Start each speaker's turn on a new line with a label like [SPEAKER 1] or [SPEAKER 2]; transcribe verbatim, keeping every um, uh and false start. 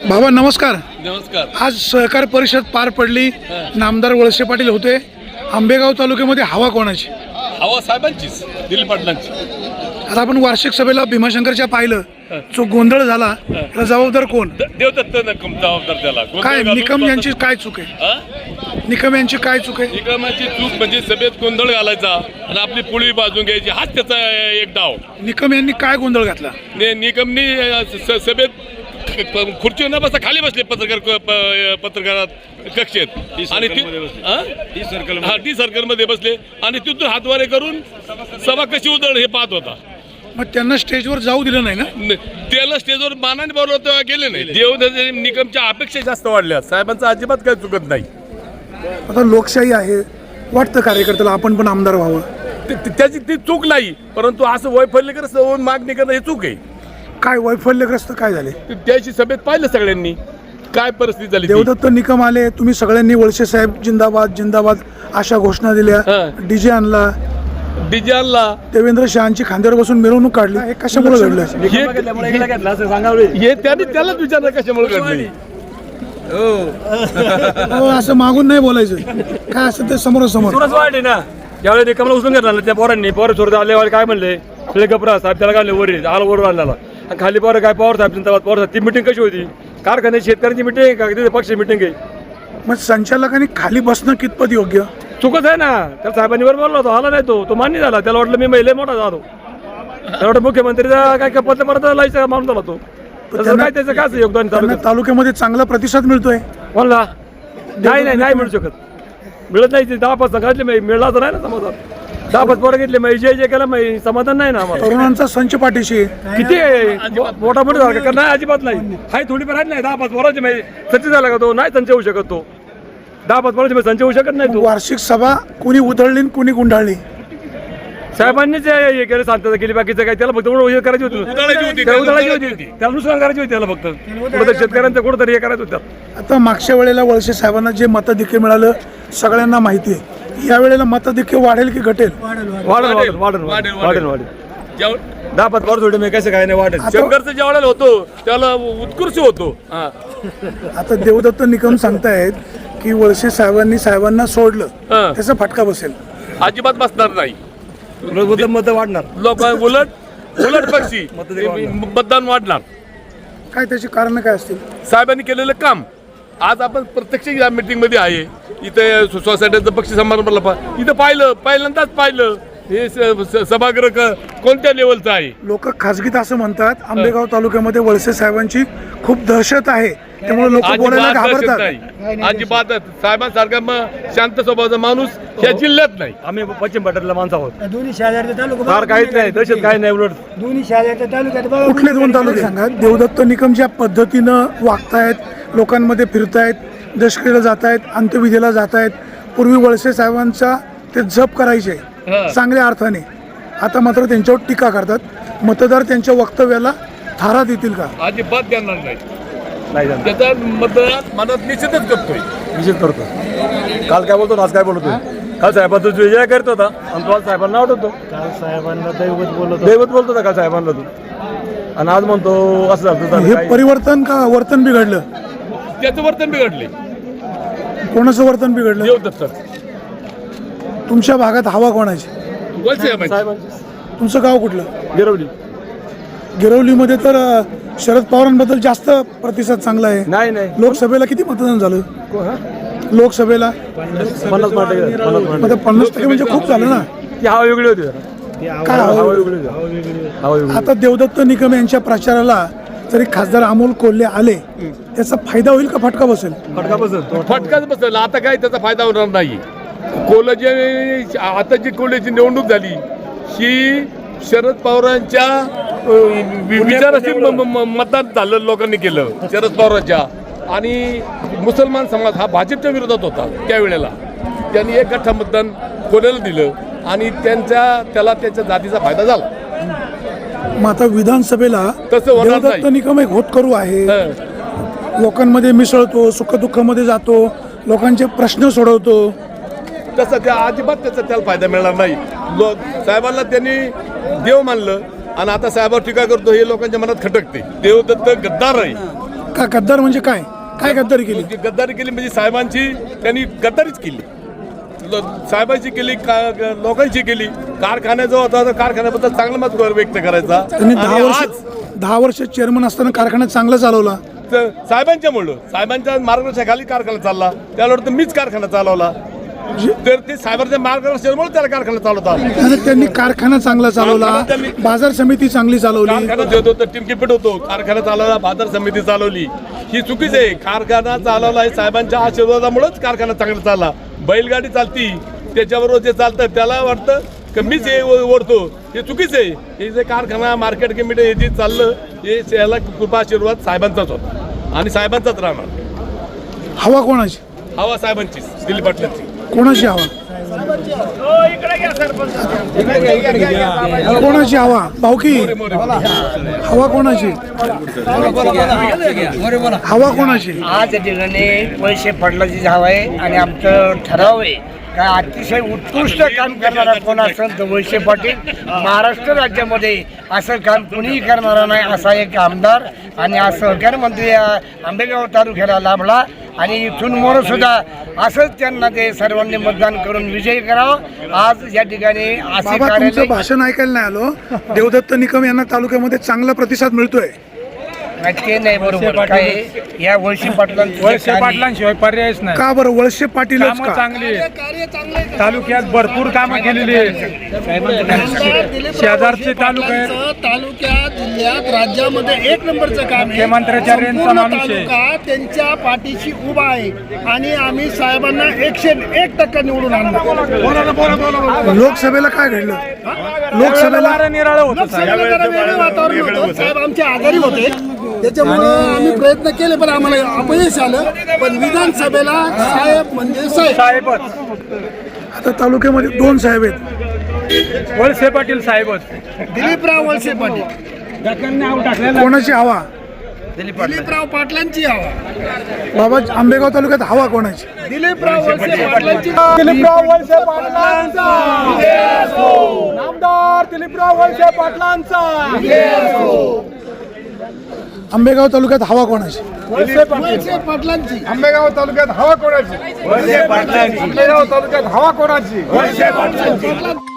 [SPEAKER 1] बाबा नमस्कार.
[SPEAKER 2] नमस्कार.
[SPEAKER 1] आज सहकार परिषद पार पडली. नामदार वळसे पाटील होते. आंबेगाव तालुक्यामध्ये हवा कोणाची?
[SPEAKER 2] हवा साहेबांचीच, दिलीप पाटलांची.
[SPEAKER 1] आता आपण वार्षिक सभेला भीमाशंकरच्या पाहिलं, जो गोंधळ झाला त्याला जबाबदार कोण?
[SPEAKER 2] देवदत्त नकम जबाबदार त्याला.
[SPEAKER 1] काय निकम यांची काय चूक आहे? निकम यांची काय चूक आहे?
[SPEAKER 2] निकमाची चूक म्हणजे सभेत गोंधळ घालायचा आणि आपली पुळी बाजून घ्यायची, हाच त्याचा एक डाव.
[SPEAKER 1] निकम यांनी काय गोंधळ घातला?
[SPEAKER 2] ने- निकमनी स- सभेत खुर्ची न बसता खाली बसले पत्रकार प- पत्रकारात कक्षेत आणि ती सर्कल हा टी सर्कल मध्ये बसले आणि तिथून हातवारे करून सभा कशी उधळ हे पाहत होता.
[SPEAKER 1] मग त्यांना स्टेजवर जाऊ दिलं नाही ना?
[SPEAKER 2] न- त्याला स्टेजवर मानाने बोलवलं तेव्हा गेले नाही. देवदत्त निकमच्या अपेक्षा जास्त वाढल्या. साहेबांचं अजिबात काही चुकत नाही.
[SPEAKER 1] आता लोकशाही आहे, वाटतं कार्यकर्त्याला आपण पण आमदार व्हावं.
[SPEAKER 2] ते- ते- त्याची ती चूक नाही, परंतु असं वैफल्यग्रस्त होऊन मागणी करणं हे चूक आहे.
[SPEAKER 1] काय वैफल्यग्रस्त काय झाले?
[SPEAKER 2] ते- त्याची सभेत पाहिलं सगळ्यांनी काय परिस्थिती झाली ती.
[SPEAKER 1] देवदत्त निकम आले, तुम्ही सगळ्यांनी वळसे साहेब जिंदाबाद जिंदाबाद अशा घोषणा दिल्या,
[SPEAKER 2] हां.
[SPEAKER 1] डीजे आणला,
[SPEAKER 2] डीजे आणला.
[SPEAKER 1] देवेंद्र शहांची खांद्यावर बसून मिरवणूक काढली. हे कशामुळे घडलं?
[SPEAKER 2] हे हे त्याने त्यालाच विचारलं कशामुळे घडली.
[SPEAKER 1] हो, असं मागून नाही बोलायचं, काय असं ते समोरासमोर.
[SPEAKER 3] सुरच वाढली ना. ज्यावेळी रिकामला उचलून घेतला ना त्या पोरांनी, पोरं सोडत आले काय म्हणले, आपले गपरा साहेब त्याला काढले वर आला वर आणला आणि खाली पोरं काय पवार साहेब जिंदाबाद पवार साहेब. ती मिटिंग कशी होती? कारखान्याची शेतकऱ्यांची मिटिंग का तिथे पक्ष मिटिंग आहे?
[SPEAKER 1] मग संचालकांनी खाली बसणं कितपत योग्य?
[SPEAKER 3] चुकत आहे ना. त्या साहेबांनी वर बोलला होता, आला नाही तो तो मान्य झाला. त्याला वाटलं मी महिला मोठा झालो, त्याला वाटतं मुख्यमंत्रीचा काय पत्र परत लायचा माणूस झाला तो. तसं काय त्याचं काय योगदान
[SPEAKER 1] त्यांना तालुक्यामध्ये चांगला प्रतिसाद मिळतोय.
[SPEAKER 3] बोलला नाही नाही नाही मिळू शकत, मिळत नाही. दहा पाच सांगितले मिळला तर नाही ना समाधान. दहा पाच पोरं घेतले मग जय जय केला मग समाधान नाही ना आम्हाला.
[SPEAKER 1] तरुणांचा संच पाठीशी आहे.
[SPEAKER 3] किती मोठा मोठा झाला का? नाही अजिबात नाही. हाय थोडी फार नाही. दहा पाच पोरांचे माहिती सच्ची झाला का तो? नाही संच होऊ शकत तो. दहा पाच पोरांचे संच होऊ शकत नाही तो.
[SPEAKER 1] वार्षिक सभा कुणी उधळली आणि कुणी गुंडाळली?
[SPEAKER 3] साहेबांनीच हे केलं, शांतता केली. बाकीचं काय त्याला फक्त हे करायची होती,
[SPEAKER 2] उधळायची होती.
[SPEAKER 3] त्याला उधळायची होती, त्याला नुकसान करायची होती. त्याला फक्त कुठं शेतकऱ्यांचं कुठंतरी हे करायचं होतं.
[SPEAKER 1] आता मागच्या वेळेला वळसे साहेबांना जे मताधिक्य मिळालं सगळ्यांना माहिती आहे. या वेळेला मताधिक्य वाढेल की घटेल?
[SPEAKER 3] वाढेल वाढेल वाढेल वाढेल वाढेल वाढेल
[SPEAKER 2] जेव्हा-
[SPEAKER 3] दहा पाच पोरं थोडे मी कसं काय नाही वाढेल.
[SPEAKER 2] शंकरचं जेवढ्याला होतो त्याला उत्कृष्ट होतो. हा.
[SPEAKER 1] आता देवदत्त निकम सांगतायत की वळसे साहेबांनी साहेबांना सोडलं,
[SPEAKER 2] हा.
[SPEAKER 1] त्याचा फटका बसेल.
[SPEAKER 2] अजिबात बसणार नाही.
[SPEAKER 3] मत वाढणार.
[SPEAKER 2] लोक उलट उलट पक्षी मतदान वाढणार.
[SPEAKER 1] काय त्याची कारण काय असतील?
[SPEAKER 2] साहेबांनी केलेलं काम आज आपण प्रत्यक्ष या मीटिंग मध्ये आहे. इथे सोसायटीचं पक्ष समारंभाला पा- इथं पाहिलं, पहिल्यांदाच पाहिलं हे स- स- सभागृह क- कोणत्या लेवलचं आहे.
[SPEAKER 1] लोक खासगीत असं म्हणतात आंबेगाव तालुक्यामध्ये वळसे साहेबांची खूप दहशत आहे, त्यामुळे लोक बोलायला
[SPEAKER 2] अजिबात दहशत
[SPEAKER 1] घाबरतात.
[SPEAKER 2] नाही. अजिबात साहेबांसारखा मग शांत स्वभावाचा माणूस या जिल्ह्यात नाही.
[SPEAKER 3] आम्ही पश्चिम पट्ट्यातला माणसं आहोत.
[SPEAKER 4] दोन्ही शहराच्या तालुका
[SPEAKER 3] फार काहीच नाही, दहशत काही नाही. उलट
[SPEAKER 4] दोन्ही शहराच्या तालुक्यात बघा.
[SPEAKER 1] कुठले दोन तालुके सांगा? देवदत्त निकम ज्या पद्धतीनं वागतायत, लोकांमध्ये फिरतायत, दशकेला जात आहेत, अंत्यविधीला जात आहेत. पूर्वी वळसे साहेबांचा ते जप करायचे चांगल्या अर्थाने, आता मात्र त्यांच्यावर टीका करतात. मतदार त्यांच्या वक्तव्याला थारा देतील का?
[SPEAKER 2] अजिबात देणार नाही.
[SPEAKER 3] नाही जाणार.
[SPEAKER 2] त्याचा मतदार मनात निश्चितच करतोय.
[SPEAKER 3] निश्चित करतो. काल काय बोलतो, आज काय बोलतोय? काल साहेबांचा विजय करत होता आणि तो आज साहेबांना आवडतो.
[SPEAKER 4] काल साहेबांना दैवत बोलत
[SPEAKER 3] दैवत बोलतो होता काल साहेबांना तू, आणि आज म्हणतो असं झालं.
[SPEAKER 1] हे परिवर्तन का वर्तन बिघडलं?
[SPEAKER 2] त्याचं वर्तन बिघडले.
[SPEAKER 1] कोणाचं वर्तन बिघडलं?
[SPEAKER 2] देवदत्त
[SPEAKER 1] तुमच्या भागात हवा कोणाची?
[SPEAKER 2] वळसे साहेबांची.
[SPEAKER 3] साहेबांची
[SPEAKER 1] तुमचं गाव कुठलं?
[SPEAKER 3] गिरवली.
[SPEAKER 1] गिरवलीमध्ये तर अ, शरद पवारांबद्दल जास्त प्रतिसाद चांगला आहे.
[SPEAKER 3] नाही नाही
[SPEAKER 1] लोकसभेला किती मतदान झालं? लोकसभेला
[SPEAKER 3] पन्नास पन्नास पन्नास
[SPEAKER 1] आता पन्नास टक्के म्हणजे खूप झालं ना.
[SPEAKER 3] ती हवा वेगळी होती जरा.
[SPEAKER 1] काय
[SPEAKER 3] हवा
[SPEAKER 1] हवं?
[SPEAKER 3] वेगळी होती. हवा वेगळी.
[SPEAKER 1] आता देवदत्त निकम यांच्या प्रचाराला जरी खासदार अमोल कोल्हे आले, त्याचा फायदा होईल का फटका बसेल?
[SPEAKER 3] फटका बसत
[SPEAKER 2] फटकाच बसला. आता काय त्याचा फायदा होणार नाही. कोल्हाची आता जी कोल्हाची निवडणूक झाली ही शरद पवारांच्या अ, वि- विचाराशी म- म- म- मतदान झालं, लोकांनी केलं शरद पवारांच्या. आणि मुसलमान समाज हा भाजपच्या विरोधात होता त्यावेळेला. त्यांनी एक गठ्ठा मतदान कोल्ह्याला दिलं आणि त्यांच्या त्याला त्याच्या जातीचा फायदा झाला.
[SPEAKER 1] मग आता विधानसभेला
[SPEAKER 2] तसं होणार
[SPEAKER 1] देवदत्त
[SPEAKER 2] नाही.
[SPEAKER 1] निकम एक होतकरू आहे,
[SPEAKER 2] हं.
[SPEAKER 1] लोकांमध्ये मिसळतो, सुखदुःखामध्ये जातो, लोकांचे प्रश्न सोडवतो.
[SPEAKER 2] तसं त्या अजिबात त्याचा त्याला फायदा मिळणार नाही. लोक साहेबांना त्यांनी देव मानलं आणि आता साहेबावर टीका करतो हे लोकांच्या मनात खटकते. देवदत्त गद्दार आहे,
[SPEAKER 1] का गद्दार म्हणजे काय काय गद्दारी केली?
[SPEAKER 2] म्हणजे गद्दारी केली म्हणजे साहेबांची त्यांनी गद्दारीच केली. लो- साहेबांची केली का- लोकांची केली. कारखाना जो होता तो कारखान्याबद्दल चांगलं मत व्यक्त करायचा.
[SPEAKER 1] त्यांनी दहा
[SPEAKER 2] आणि
[SPEAKER 1] वर्ष
[SPEAKER 2] आज
[SPEAKER 1] दहा वर्ष चेअरमन असताना कारखाना चांगला चालवला.
[SPEAKER 2] तर साहेबांच्यामुळं साहेबांच्या मार्गदर्शनाखाली कारखाना चालला. त्यावर तर मीच कारखाना चालवला. तर ते साहेबांच्या मार्गदर्शनामुळे त्याला कारखाना चालवता.
[SPEAKER 1] आणि त्यांनी कारखाना चांगला चालवला, बाजार समिती चांगली चालवली.
[SPEAKER 2] कारखाना देत होतो टिमकीपीठ होतो. कारखाना चालवला, बाजार समिती चालवली. ही चुकीच आहे. कारखाना चालवला हे साहेबांच्या आशीर्वादामुळेच कारखाना चांगला चालला. बैलगाडी चालती त्याच्याबरोबर जे चालतं त्याला वाटतं की मीच हे ओढतो. हे चुकीच आहे. हे जे कारखाना मार्केट कमिटी हे जे चाललं हे याला कृपा आशीर्वाद साहेबांचाच होता आणि साहेबांचाच राहणार.
[SPEAKER 1] हवा कोणाची?
[SPEAKER 2] हवा साहेबांचीच, दिलीप पाटलांची.
[SPEAKER 1] कोणाची हवा? कोणाची हवा? भाऊकी हवा कोणाची? हवा कोणाची?
[SPEAKER 5] आज या ठिकाणी वळसे पाटलाची हवा आहे आणि आमचं ठराव आहे का अतिशय उत्कृष्ट काम करणारा कोण असेल तर वळसे पाटील. महाराष्ट्र राज्यामध्ये असं काम कुणीही करणारा नाही असा एक आमदार आणि आज सहकार मंत्री या आंबेगाव तालुक्याला लाभला आणि इथून मोर सुद्धा असंच त्यांना ते सर्वांनी मतदान करून विजयी करावं. आज या ठिकाणी असे
[SPEAKER 1] बाबा तुमचं
[SPEAKER 5] कार्यालय
[SPEAKER 1] भाषण ऐकायला नाही आलो. देवदत्त निकम यांना तालुक्यामध्ये चांगला प्रतिसाद मिळतोय.
[SPEAKER 5] नाही, ते नाही बरोबर. काय या वळसे पाटलांचं
[SPEAKER 6] वळसे पाटलांशिवाय पर्यायच नाही.
[SPEAKER 1] का बरं वळसे पाटीलच
[SPEAKER 6] कामं
[SPEAKER 1] का?
[SPEAKER 6] चांगली आहेत. तालुक्यात भरपूर कामं केलेली आहेत. शेजारचे तालुके आहेत.
[SPEAKER 7] तालुक्यात जिल्ह्यात राज्यामध्ये एक नंबरचं काम आहे.
[SPEAKER 6] मुख्यमंत्र्याच्या रेंजचा
[SPEAKER 7] संपूर्ण
[SPEAKER 6] माणूस आहे.
[SPEAKER 7] तालुका त्यांच्या पाठीशी उभा आहे आणि आम्ही साहेबांना एकशे एक टक्का निवडून आणणार.
[SPEAKER 1] लोकसभेला काय घडलं? लोकसभेला
[SPEAKER 6] वारं निराळं होतं साहेब.
[SPEAKER 7] लोकसभेला जरा वेगळं वातावरण होतं. साहेब आमचे आजारी होते त्याच्यामुळं आम्ही प्रयत्न केले पण आम्हाला अपयश आलं. पण विधानसभेला साहेब म्हणजे साहेब.
[SPEAKER 6] साहेबच
[SPEAKER 1] आता तालुक्यामध्ये दोन साहेब आहेत.
[SPEAKER 6] वळसे पाटील साहेबच.
[SPEAKER 7] दिलीपराव वळसे पाटील.
[SPEAKER 1] कोणाची हवा?
[SPEAKER 7] दिलीपराव पाटलांची हवा.
[SPEAKER 1] बाबा आंबेगाव तालुक्यात हवा कोणाची?
[SPEAKER 7] दिलीपराव वळसे पाटलांची.
[SPEAKER 6] दिलीपराव वळसे पाटलांचा नामदार दिलीपराव वळसे पाटलांचा.
[SPEAKER 1] आंबेगाव तालुक्यात हवा कोणाची?
[SPEAKER 7] वळसे पाटलांची.
[SPEAKER 6] आंबेगाव तालुक्यात हवा कोणाची? वळसे पाटलांची. आंबेगाव तालुक्यात हवा कोणाची? वळसे पाटलांची.